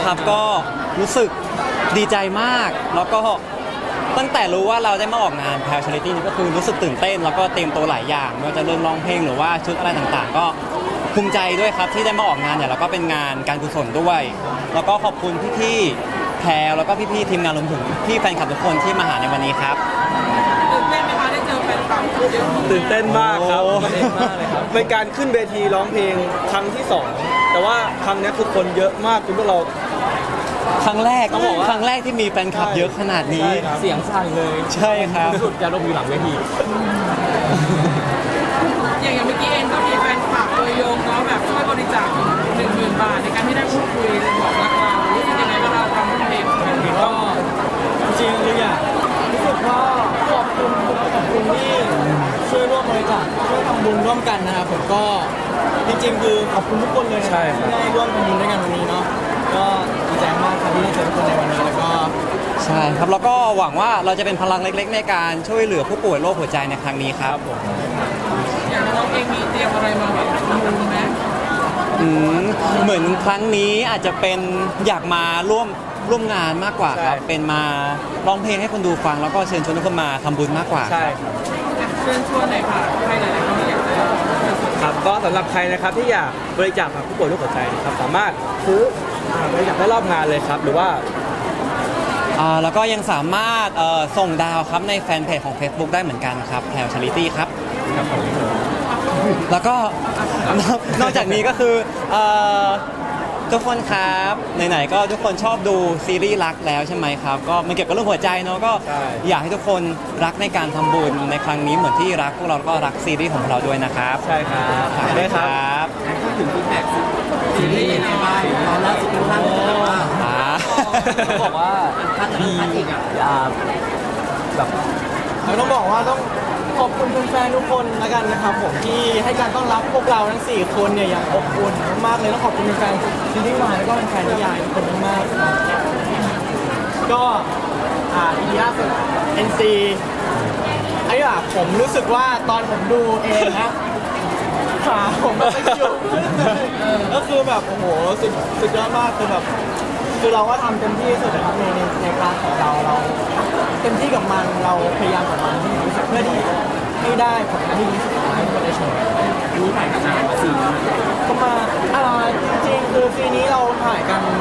ครับก็รู้สึกดีใจมากแล้วก็ตั้งแต่รู้ว่าเราได้มาออกงานแพลชาริตี้นี่ก็คือรู้สึกตื่นเต้นแล้วก็เตรียมตัวหลายอย่างไม่ว่าจะเรื่องร้องเพลงหรือว่าชุดอะไรต่างๆ ก็ภูมิใจด้วยครับที่ได้มาออกงานเนี่ยแล้วก็เป็นงานการกุศลด้วย แล้วก็ขอบคุณพี่ๆแพรแล้วก็พี่ๆทีมงานรวมถึงพี่แฟนคลับทุกคนที่มาหาในวันนี้ครับตื่นเต้นไหมคะได้เจอแฟนคลับเยอะตื่นเต้นมากครับเต้นมากเลยครับเป็นการขึ้นเวทีร้องเพลงครั้งที่สองแต่ว่าครั้งนี้คือคนเยอะมากจนพวกเราครั้งแรกต้องบอกว่าครั้งแรกที่มีแฟนคลับเยอะขนาดนี้ใช่ครับเสียงสั่นเลยใช่ครับสุดจะลงอยู่หลังเวทีอย่างเมื่อกี้เองก็มีแฟนคลับตัวยงเนาะแบบช่วยบริจาค10,000 บาทในการที่ได้พูดคุยบอกรักเรารู้สึกยังไงว่าเราทำเพลงก็จริงเลยอ่ะรู้สึกว่าขอบคุณที่ช่วยร่วมบริจาคช่วยทำบุญร่วมกันนะครับผมก็จริงๆคือขอบคุณทุกคนเลยนะใช่ครับที่ได้ร่วมทำบุญด้วยกันวันนี้เนาะก็ดีใจมากครับที่ได้เจอทุกคนในวันนี้แล้วก็ใช่ครับแล้วก็หวังว่าเราจะเป็นพลังเล็กๆ ในการช่วยเหลือผู้ป่วยโรคหัวใจในครั้งนี้ครับอย่างน้องเองมีเตรียมอะไรมาแบบทำบุญไหมเหมือนครั้งนี้อาจจะเป็นอยากมาร่วมงานมากกว่าครับใช่เป็นมาร้องเพลงให้คนดูฟังแล้วก็เชิญชวนทุกคนมาทำบุญมากกว่าใช่ครับเชิญชวนหน่อยค่ะใครหลายๆคนที่อยากจะครับก็สำหรับใครนะครับที่อยากบริจาคกับผู้ป่วยโรคหัวใจนะครับสามารถซื้อบริจาคได้รอบงานเลยครับหรือว่าแล้วก็ยังสามารถส่งดาวครับในแฟนเพจของ Facebook ได้เหมือนกันครับแพลชาริตี้ครับแล้วก็ นอกจากนี้ก็คือทุกคนครับไหนๆก็ทุกคนชอบดูซีรีส์รักแล้วใช่ไหมครับก็มันเกี่ยวกับเรื่องหัวใจเนาะก็ใช่อยากให้ทุกคนรักในการทำบุญในครั้งนี้เหมือนที่รักพวกเราก็รักซีรีส์ของเราด้วยนะครับใช่ครับฝากได้ด้วยคครับ รับพูดถึงฟีดแบ็กซีรีส์ในบ้านตอนล่าสุดค่อนข้างจะแบบว่า ต้องบอกว่าดีแบบต้องบอกว่าต้องขอบคุณแฟนๆทุกคนแล้วกันนะครับผมที่ให้การต้อนรับพวกเราทั้ง4คนเนี่ยอย่างอบอุ่นมากๆเลยต้องขอบคุณแฟนๆซีรีส์วายแล้วก็แฟนๆนิยายทุกคนมากๆครับก็อีล่าสุด NC ไอ้อะผมรู้สึกว่าตอนผมดูเองนะขาผมแบบไม่อยู่ก็คือแบบโอ้โหสุดยอดมากคือแบบคือเราก็ทำเต็มที่สุดนะครับในพาร์ทของเราเต็มที่กับมันเราพยายามกับมันที่รู้สึกเพื่อที่ให้ได้ผลงานที่ดีที่สุดให้ทุกคนได้ชมอันนี้ถ่ายกันนาน4 ปีก็มาจริงๆคือปีนี้เราถ่ายกัน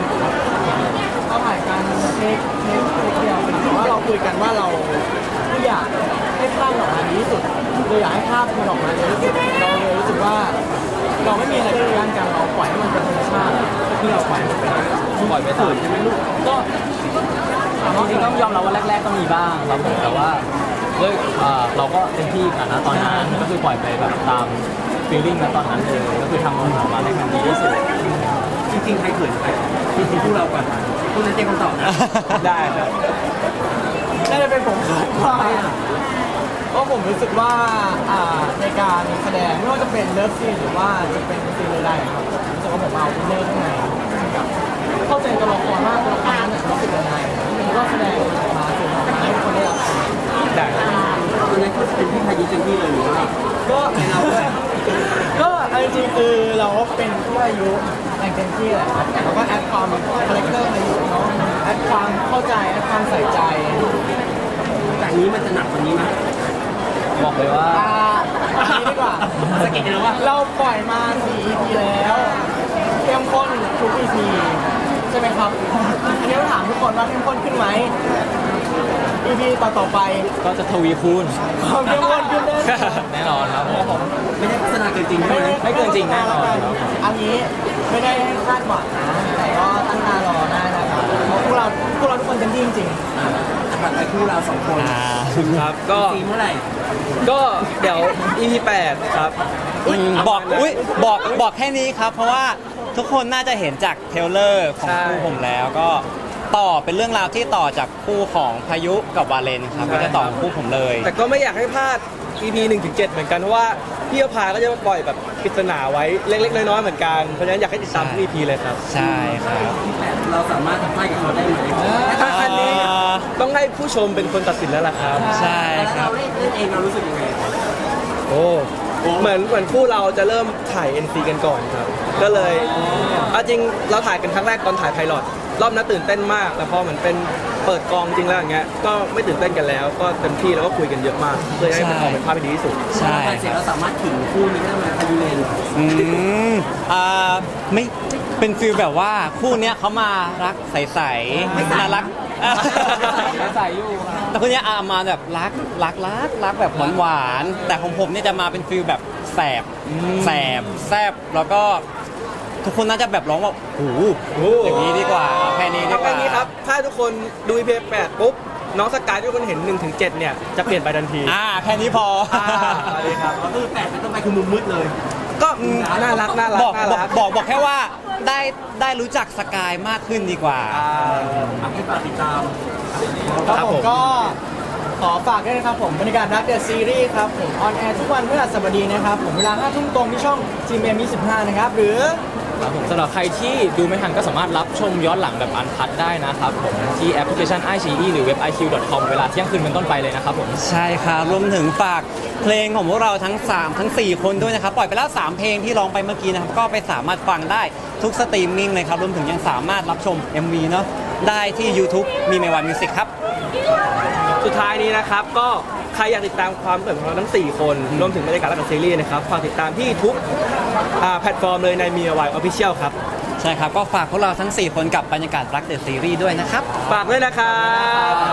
เทคเดียวแต่ว่าเราคุยกันว่าเราไม่อยากให้ภาพออกมาดีที่สุดเราอยากให้ภาพมันออกมาดีที่สุดเราเลยรู้สึกว่าเราไม่มีอะไรที่ยันกันเราปล่อยให้มันเป็นธรรมชาติที่เราปล่อยมันเป็นปล่อยไปตื่นใช่ไหมลูกก็จริงๆต้องยอมรับว่าแรกๆก็มีบ้างครับผมแต่ว่าด้วยเราก็เต็มที่กันนะตอนนั้นก็คือปล่อยไปแบบตามฟีลลิ่งนะตอนนั้นเลยก็คือทำมันออกมาให้มันดีที่สุดจริงๆใครเขินใครจริงๆพวกเราก่อนพวกนั้นเจ๊คำตอบนะได้ครับน่าจะเป็นผมครับเพราะผมรู้สึกว่าในการแสดงไม่ว่าจะเป็นเลิฟซีนหรือว่าจะเป็นซีนใดๆครับผมรู้สึกว่าผมเอาอินเนอร์ข้างในกับเข้าใจตัวละครมากตัวละครนั้นรู้สึกยังไงผมก็แสดงออกมาสื่อออกมาให้ทุกคนได้รับได้ครับตอนนั้นก็เป็นที่พายุเต็มที่เลยหรือว่าก็เราก็จริงๆคือเราก็เป็นผู้อายุอย่างเต็มที่แหละครับแต่เราก็แอดความคาแรคเตอร์อายุเนาะแอดความเข้าใจแอดความใส่ใจจากนี้มันจะหนักกว่านี้ไหมบอกเลยว่าอันนี้ดีกว่าสเก็ตนะว่าเราปล่อยมา4 EP แล้วเข้มข้นทุก EP ใช่ไหมครับอันนี้ต้องถามทุกคนว่าเข้มข้นขึ้นไหม EP ต่อไปก็จะทวีคูณความเข้มข้นขึ้นแน่นอนครับผมไม่ได้โฆษณาเกินจริงไม่เกินจริงแน่นอนอันนี้ไม่ได้ให้คาดหวังนะแต่ก็ตั้งตารอได้นะครับเพราะพวกเราทุกคนเต็มที่จริงๆถัดไปคู่เรา2 คนครับก็ซีเมื่อไหร่ก็เดี๋ยว EP 8ครับบอกแค่นี้ครับ เพราะว่าทุกคนน่าจะเห็นจากเทรลเลอร์ของใช่คู่ผมแล้วก็ต่อเป็นเรื่องราวที่ต่อจากคู่ของพายุกับวาเลนครับก็จะต่อกับคู่ผมเลยแต่ก็ไม่อยากให้พลาด EP 1-7 เหมือนกันเพราะว่าพี่อภาก็จะปล่อยแบบปริศนาไว้เล็กๆน้อยๆเหมือนกันเพราะฉะนั้นอยากให้ติดตามทุก EP เลยครับใช่ครับเราสามารถทำให้กับเขาได้ไหมถ้าอันนี้ต้องให้ผู้ชมเป็นคนตัดสินแล้วล่ะครับใช่ครับเราเล่นเองเรารู้สึกยังไงโอ้เหมือนคู่เราจะเริ่มถ่าย NC กันก่อนครับ ก็เลยเอาจริงเราถ่ายกันครั้งแรกตอนถ่ายไพลอตรอบนั้นตื่นเต้นมาก แต่พอเหมือนเป็นเปิดกองจริงแล้วอย่างเงี้ยก็ไม่ตื่นเต้นกันแล้ว ก็เต็มที่แล้วก็คุยกันเยอะมากเพื่อให้มันออกเป็นภาพที่ดีที่สุดใช่เสร็จแล้วสามารถถึงคู่นี้ได้ไหมพายุเลนอืมไม่เป็นฟีลแบบว่าคู่เนี้ยเขามารักใสๆน่ารักใส่อยู่แต่คนเนี้ยมาแบบรักแบบหวานๆแต่ของผมเนี่ยจะมาเป็นฟีลแบบแสบแซบแล้วก็ทุกคนน่าจะแบบร้องว่าโอ้โหอย่างนี้ดีกว่าเอาแค่นี้ดีเอากแค่ว่านี้ครับ ถ้าทุกคนดู EP 8ปุ๊บ น้องสกายที่ทุกคนเห็น 1-7 เนี่ย จะเปลี่ยนไปทันทีแค่นี้พอสวัสดีครับก็คือ8เป็นต้นไปคือมุมมืดเลยก็น่ารักน่ารักบอกน่าบอกรักบอกแค่ว่าได้รู้จักสกายมากขึ้นดีกว่าให้ฝากติดตามครับผมก็ขอฝากด้วยนะครับผมบรรยากาศรักเดอะซีรีส์ครับผมออนแอร์ทุกวันพฤหัสบดีนะครับผมเวลา 5 ทุ่มตรงที่ช่อง GMM25 นะครับหรือครับผมสำหรับใครที่ดูไม่ทันก็สามารถรับชมย้อนหลังแบบอันพัดได้นะครับผมที่แอปพลิเคชัน iQIYI หรือเว็บ iq.com เวลาเที่ยงคืนเป็นต้นไปเลยนะครับผมใช่ครับรวมถึงฝากเพลงของพวกเราทั้ง 4 คนด้วยนะครับ ปล่อยไปแล้ว 3 เพลงที่ร้องไปเมื่อกี้นะครับ ก็ไปสามารถฟังได้ทุกสตรีมมิ่งเลยครับ รวมถึงยังสามารถรับชม MV เนาะได้ที่ YouTube มีเมวันมิวสิกครับสุดท้ายนี้นะครับ ก็ใครอยากติดตามความเคลื่อนไหวของเราทั้ง 4 คน รวมถึงบรรยากาศและซีรีส์นะครับ ฝากติดตามที่ทุกแพลตฟอร์มเลยในมีวายออฟฟิเชียลครับใช่ครับ ก็ฝากพวกเราทั้ง 4 คนกับบรรยากาศรักเดอะซีรีส์ด้วยนะครับฝากด้วยนะครับ